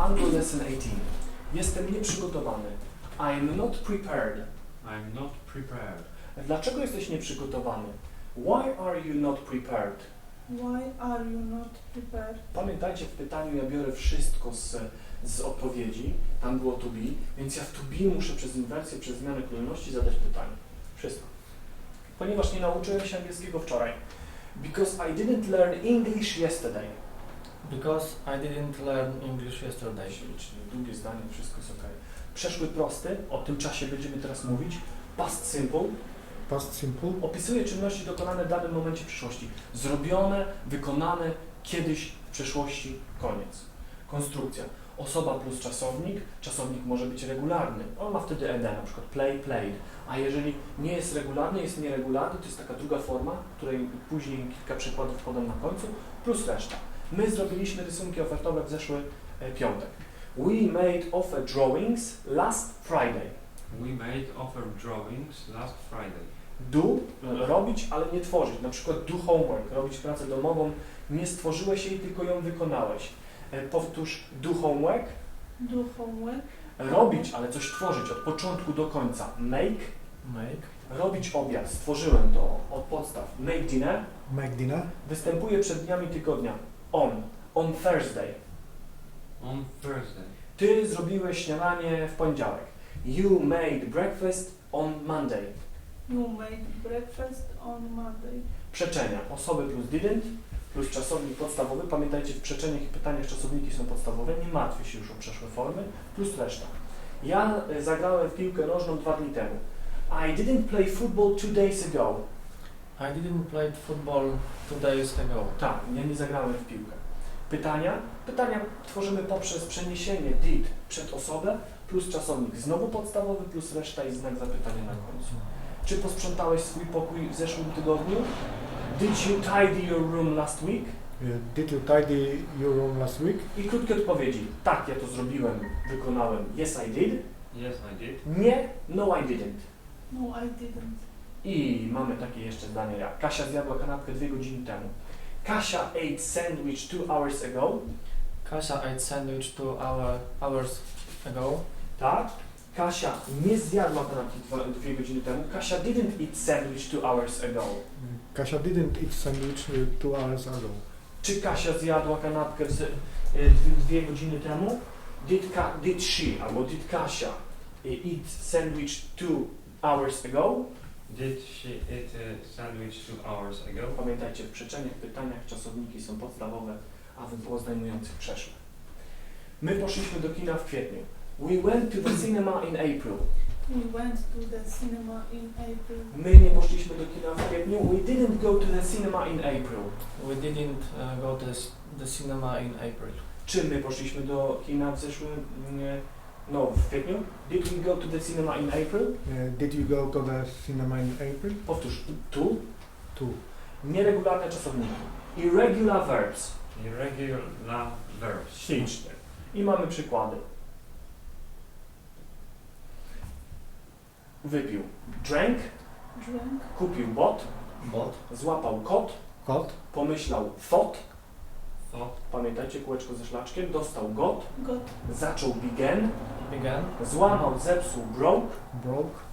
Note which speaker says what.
Speaker 1: Angle Lesson 18. Jestem nieprzygotowany. I'm not prepared.
Speaker 2: I'm not prepared.
Speaker 1: Dlaczego jesteś nieprzygotowany? Why are you not prepared?
Speaker 3: Why are you not prepared?
Speaker 1: Pamiętajcie, w pytaniu ja biorę wszystko z odpowiedzi, tam było to be, więc ja w to be muszę przez inwersję, przez zmianę kolejności zadać pytanie. Wszystko. Ponieważ nie nauczyłem się angielskiego wczoraj. Because I didn't learn English yesterday.
Speaker 4: Because I didn't learn English yesterday.
Speaker 1: Ślicznie, długie zdanie, wszystko jest ok. Przeszły prosty, o tym czasie będziemy teraz mówić. Past simple.
Speaker 5: Past simple.
Speaker 1: Opisuje czynności dokonane w danym momencie przyszłości. Zrobione, wykonane kiedyś w przeszłości, koniec. Konstrukcja. Osoba plus czasownik. Czasownik może być regularny. On ma wtedy ed, na przykład play, played. A jeżeli nie jest regularny, jest nieregularny, to jest taka druga forma, której później kilka przykładów podam na końcu, plus reszta. My zrobiliśmy rysunki ofertowe w zeszły piątek. We made offer drawings last Friday.
Speaker 2: We made offer drawings last Friday.
Speaker 1: Do, robić, ale nie tworzyć. Na przykład do homework, robić pracę domową. Nie stworzyłeś jej, tylko ją wykonałeś. Powtórz do homework.
Speaker 3: Do homework.
Speaker 1: Robić, ale coś tworzyć od początku do końca. Make.
Speaker 4: Make.
Speaker 1: Robić obiad. Stworzyłem to od podstaw. Make dinner.
Speaker 5: Make dinner.
Speaker 1: Występuje przed dniami tygodnia. On Thursday.
Speaker 2: On Thursday.
Speaker 1: Ty zrobiłeś śniadanie w poniedziałek. You made breakfast on Monday.
Speaker 3: You made breakfast on Monday.
Speaker 1: Przeczenia. Osoby plus didn't, plus czasownik podstawowy. Pamiętajcie, w przeczeniach i pytaniach czasowniki są podstawowe. Nie martwię się już o przeszłe formy. Plus reszta. Ja zagrałem w piłkę nożną 2 dni temu. I didn't play football 2 days ago.
Speaker 4: I didn't play football 2 days ago.
Speaker 1: Tak, ja nie zagrałem w piłkę. Pytania? Pytania tworzymy poprzez przeniesienie did przed osobę, plus czasownik znowu podstawowy, plus reszta i znak zapytania na końcu. Czy posprzątałeś swój pokój w zeszłym tygodniu? Did you tidy your room last week?
Speaker 5: Did you tidy your room last week?
Speaker 1: I krótkie odpowiedzi. Tak, ja to zrobiłem, wykonałem. Yes, I did.
Speaker 2: Yes, I did.
Speaker 1: Nie, no, I didn't.
Speaker 3: No, I didn't.
Speaker 1: I mamy takie jeszcze zdanie jak Kasia zjadła kanapkę 2 godziny temu. Kasia ate sandwich 2 hours ago.
Speaker 4: Kasia ate sandwich 2 hours ago.
Speaker 1: Tak? Kasia nie zjadła kanapki 2 godziny temu. Kasia didn't eat sandwich 2 hours ago.
Speaker 5: Kasia didn't eat sandwich 2 hours ago.
Speaker 1: Czy Kasia zjadła kanapkę 2 godziny temu? Did she albo did Kasia eat sandwich 2 hours ago?
Speaker 2: Did she eat a sandwich 2 hours ago?
Speaker 1: Pamiętajcie, w przeczeniach, pytaniach czasowniki są podstawowe, a w poznajmujących przeszłe. My poszliśmy do kina w kwietniu. We went to the cinema in April.
Speaker 3: We went to the cinema in April.
Speaker 1: My nie poszliśmy do kina w kwietniu. We didn't go to the cinema in April.
Speaker 4: We didn't go to the cinema in April.
Speaker 1: Czy my poszliśmy do kina w zeszłym, w kwietniu? Did we go to the cinema in April?
Speaker 5: Did you go to the cinema in April?
Speaker 1: Powtórz, to.
Speaker 5: To.
Speaker 1: Nieregularne czasownniki. Irregular verbs.
Speaker 2: Irregular verbs.
Speaker 1: Ślicznie. I mamy przykłady. Wypił. Drank.
Speaker 3: Drank.
Speaker 1: Kupił bot.
Speaker 4: Bought.
Speaker 1: Złapał kot.
Speaker 5: Got.
Speaker 1: Pomyślał thought.
Speaker 2: Thought.
Speaker 1: Pamiętajcie kółeczko ze szlaczkiem. Dostał got.
Speaker 3: Got.
Speaker 1: Zaczął began.
Speaker 4: Began.
Speaker 1: Złamał, zepsuł broke.
Speaker 5: Broke.